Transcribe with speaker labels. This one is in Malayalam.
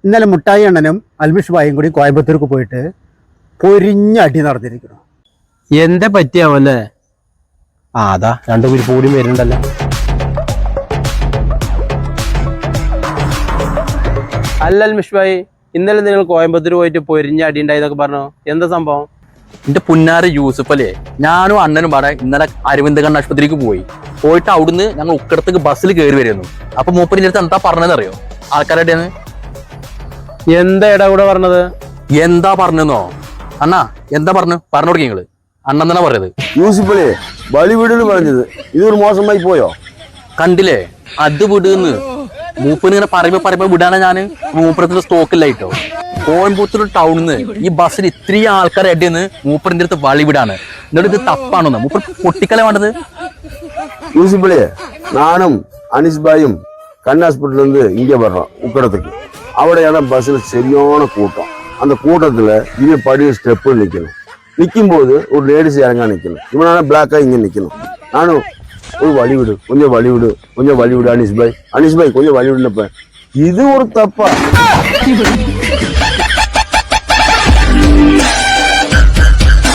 Speaker 1: ഇന്നലെ മുട്ടായി അണ്ണനും അൽമിഷ് ബായും കൂടി കോയമ്പത്തൂർക്ക് പോയിട്ട് പൊരിഞ്ഞ അടി നടന്നിരിക്കുന്നു.
Speaker 2: എന്താ പറ്റിയാവല്ലേ? അതാ രണ്ടു പേര് കൂടി വരുന്നുണ്ടല്ലോ. അല്ല അൽമിഷ് ഭായി, ഇന്നലെ നിങ്ങൾ കോയമ്പത്തൂർ പോയിട്ട് പൊരിഞ്ഞ അടി ഉണ്ടായിന്നൊക്കെ പറഞ്ഞു. എന്താ സംഭവം?
Speaker 3: എന്റെ പുന്നാര യൂസുഫ് അല്ലേ, ഞാനും അണ്ണനും പാടെ ഇന്നലെ അരവിന്ദ് കണ്ണ് ആശുപത്രിക്ക് പോയിട്ട് അവിടുന്ന് ഞങ്ങൾ ഉക്കടത്തേക്ക് ബസ്സിൽ കയറി വരുന്നു. അപ്പൊ മൂപ്പരിന്റെ അടുത്ത് എന്താ പറഞ്ഞതെന്നറിയോ? ആൾക്കാരുടെ
Speaker 2: എന്താ ഇടാ കൂടെ പറഞ്ഞത്?
Speaker 3: എന്താ പറഞ്ഞെന്നോ? അണ്ണാ എന്താ പറഞ്ഞു കൊടുക്കി നിങ്ങള്? അണ്ണൻ തന്നെ പറഞ്ഞത്.
Speaker 4: യൂസുഫല്ലേ ബലി വീടെന്ന് പറഞ്ഞത് ഇതൊരു മോശമായി പോയോ?
Speaker 3: കണ്ടില്ലേ, അത് വിടുന്ന് മൂപ്പന് ഇങ്ങനെ പറയുമ്പോ വിടാനാ ഞാന്. മൂപ്പരത്തിന്റെ സ്റ്റോക്കില്ലായിട്ടോ. കോയമ്പത്തൂർ ടൗണിന്ന് ഈ ബസ്സിൽ ഇത്രയും ആൾക്കാരെ അടിയെന്ന് മൂപ്പറിന്റെ അടുത്ത് വളി വിടാണ്. എന്നിട്ട് ഇത് തപ്പാണെന്ന് മൂപ്പർ പൊട്ടിക്കല വേണ്ടത്.
Speaker 4: யூசுஃபலே நானும் அனிஸ் பாயும் கண் ஹாஸ்பிட்டல் இருந்து இங்கே வர்றோம் உக்கடத்துக்கு. அവിടെയാണ് ബസ്സിൽ சரியான கூட்டம். அந்த கூட்டத்தில் இவன் படி ஸ்டெப்பு நிற்கணும். நிற்கும் போது ஒரு லேடிஸ் இறங்கா நிற்கணும். இவனால பிளாக்காக இங்கே நிற்கணும். நானும் ஒரு வழி விடு, கொஞ்சம் வழி விடு அனிஸ் பாய் கொஞ்சம் வழி விடுனப்ப இது ஒரு தப்பா?